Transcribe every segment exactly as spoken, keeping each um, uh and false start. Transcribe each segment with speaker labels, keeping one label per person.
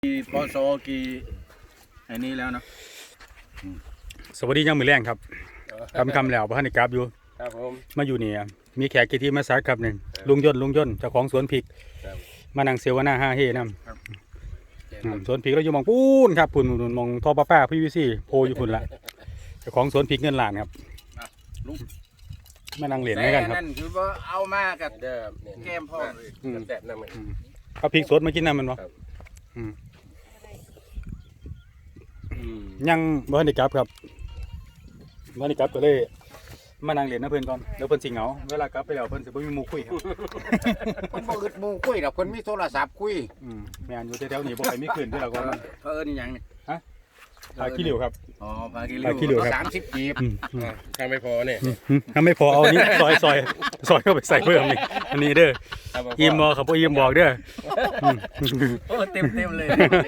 Speaker 1: กี่ปศกี่อันนี้แล้วเนาะ
Speaker 2: สวัสดียังมือแรงครับคำคำแล้วพระนิกราบอยู่
Speaker 3: ครับผม
Speaker 2: มาอยู่นี่มีแขกกิติมาสักครับหนึ่งลุงยนต์ลุงยนต์เจ้าของสวนพริกมานั่งเซวนาห้าเฮนำสวนพริกเราอยู่มองปูนครับปุ่นมองท่อป้าป้าพี่วิซี่โพอยู่ปุ่นละเจ้าของสวนพริกเงินล้านครับ
Speaker 1: ลุง
Speaker 2: มานั่งเหรียญด้วยกันครับ
Speaker 1: นั่นคือว่าเอามากับ
Speaker 3: เดิม
Speaker 1: แก้มพ่อเลย
Speaker 3: แซ่บนั่นมัน
Speaker 2: เอาพริกสดมากินน้ำมันวะยังพระนิกราบครับพระนิกราบก็เลยมานั่งเหรียญนะเพื่อนก่อนแล้วเพื่อนสิงเหงาเวลากลับไปแล้วเพื่อนสิบ่มีหมู่คุยครับ
Speaker 1: คนบ่อึดหมู่คุยดอกคนมีโทรศัพท์คุย
Speaker 2: อืมแม่นอยู่แถวๆนี้บ่ใครมีคืนที่เราก็
Speaker 1: เพิ่นนี่หยังนี่
Speaker 2: ฮะพาขี้เหลวครับ
Speaker 1: อ๋อพาขี้เหลวสามสิบกีบ
Speaker 3: ถ้าไม่พอเนี่ย
Speaker 2: ถ้าไม่พอเอานี้ซอยซอยซอยเข้าไปใส่เพิ่มนี่อันนี้เด้ออิ่มบ่ครับบ่อิ่มบอกเด้อ
Speaker 1: โอ้เต็มๆเลย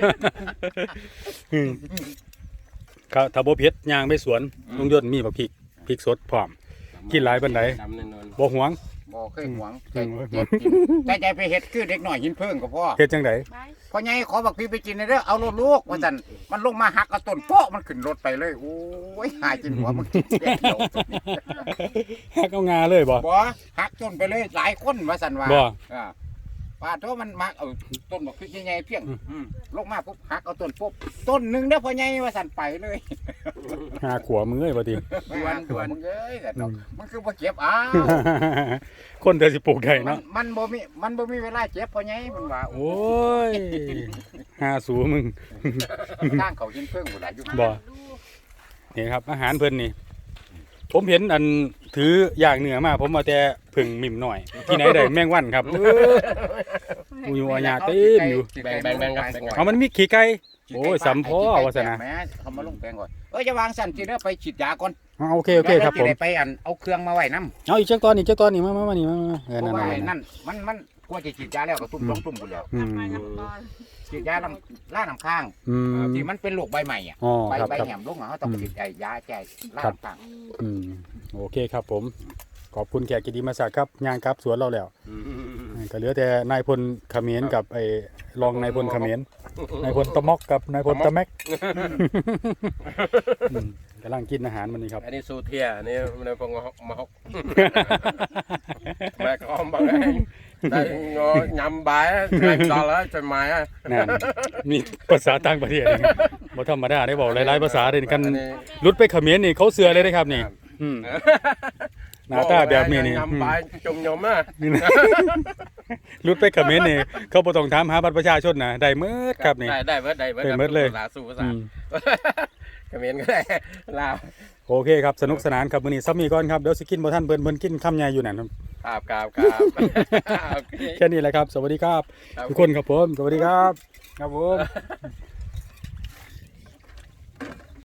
Speaker 2: ครับถ้าบ่เผ็ดย่างไปสวนลุงยนต์มีบักพริกพริกสดพร้อมกินหลายปานใดบ่หวง
Speaker 1: บ่เคยหวงใจใจไปเฮ็ดคือเด็กน้อยหินเพิ่งก็พอ
Speaker 2: เฮ็ดจังได๋
Speaker 1: พ่อใหญ่ขอบักพริกไปกินเด้อเอารถลูกว่าซั่นมันลงมาหักเอาต้นโป๊ะมันขึ้นรถไปเลยโอ้ยหายจนหัวมันกินเดียว
Speaker 2: หักเอางาเลยบ่
Speaker 1: บ่หักต้นไปเลยหลายคนว่าซั่นว่า
Speaker 2: บ่
Speaker 1: อ่าป้าโตมันมักเอาต้นบักพริกใหญ่ๆเพียงลงมาปุ๊บหักเอาต้นปุ๊บต้นนึงเด้อพ่อใหญ่ว่าซั่นไปเลย
Speaker 2: หาขัวมึงเอ้ยบ่ติ
Speaker 1: ดวนดวนมึงเอ้ยแต่มันคือบ่เก็บอ้าว
Speaker 2: คนแต่สิปลูกได้เนาะ
Speaker 1: มันบ่มีมันบ่มีเวลาเก็บพ่อใหญ่มันว่า
Speaker 2: โอ้ยหาสูมึง
Speaker 1: ทางเขาหินเพิ่งบ่หลายอยู่
Speaker 2: บ่นี่ครับอาหารเพิ่นนี่ผมเห็นอันถือย่างเนื้อมาผมเอาแต่ผึ่งมิ่มหน่อยที่ไหนได้แมงวันครับอยู่อาญาเต็มอยู่
Speaker 3: แบ่งๆๆครับ
Speaker 2: เอามันมีขี้ไก่โอ้ยสำพ่อว่าซั่นนะ
Speaker 1: เขามาลงแปลงก่อนเอ้ยจะวางสั่นสิเด้อไปฉีดยาก่อน
Speaker 2: โอเคโอเคครับผม
Speaker 1: ไปอันเอาเครื่องมาไว้นำ
Speaker 2: เอาอีกจักตอนอีกจักตอนนี่มามามานี่มาเออนั่น
Speaker 1: นั่นมันมันกลัวจะฉีดยาแล้วก็ตุ้มๆตุ้มพุ่นแล้วฉีดยาลำล่าน้ำข้างที่มันเป็นโรคใบใหม่อ่ะใบใบแหมลงอ่ะเขาต้องฉีดยาแก้ล่าน้ำข้าง
Speaker 2: อืมโอเคครับผมขอบคุณแขกกิติมาศักดิ์ครับย่างครับสวนเราแล้วก็เหลือแต่นายพลเขมรกับไอ้รองนายพลเขมรนายพลตะมอกกับนายพลตะแม็กกำลังกินอาหารมันนี่ครับ
Speaker 3: อันนี้สูเทียนี่มันเป็นมาฮอกแม่ก็บังไงได้งอยำใบแรงต่อแล้วจนหมาย
Speaker 2: นั่นมีภาษาต่างประเทศบ่ธรรมดาได้บอกหลายๆภาษาเลยกันรุดไปเขมรนี่เขาเสือเลยนะครับนี่หน้าตาแบบนี้นี่
Speaker 3: ยำใบจมยมอ่ะ
Speaker 2: รุดไปเขมรนี่เขาบ่ต้องถามหาบัตรประชาชนนะได้เมิดครับนี่
Speaker 3: ได้ได้เมิดได้เ
Speaker 2: มิดเลย
Speaker 3: ภาษาสู่ภาษาเขมรก็ได้ลาว
Speaker 2: โอเคครับสนุกสนานครับมื้อนี้ซับมีก่อนครับเดี๋ยวสิกินบ่ทันเพิ่นเพิ่นกินคำใหญ่อยู่นั่น
Speaker 3: ครับครับครับ
Speaker 2: แค่นี้แหละครับสวัสดีครับทุกคนครับผมสวัสดีครับครับผม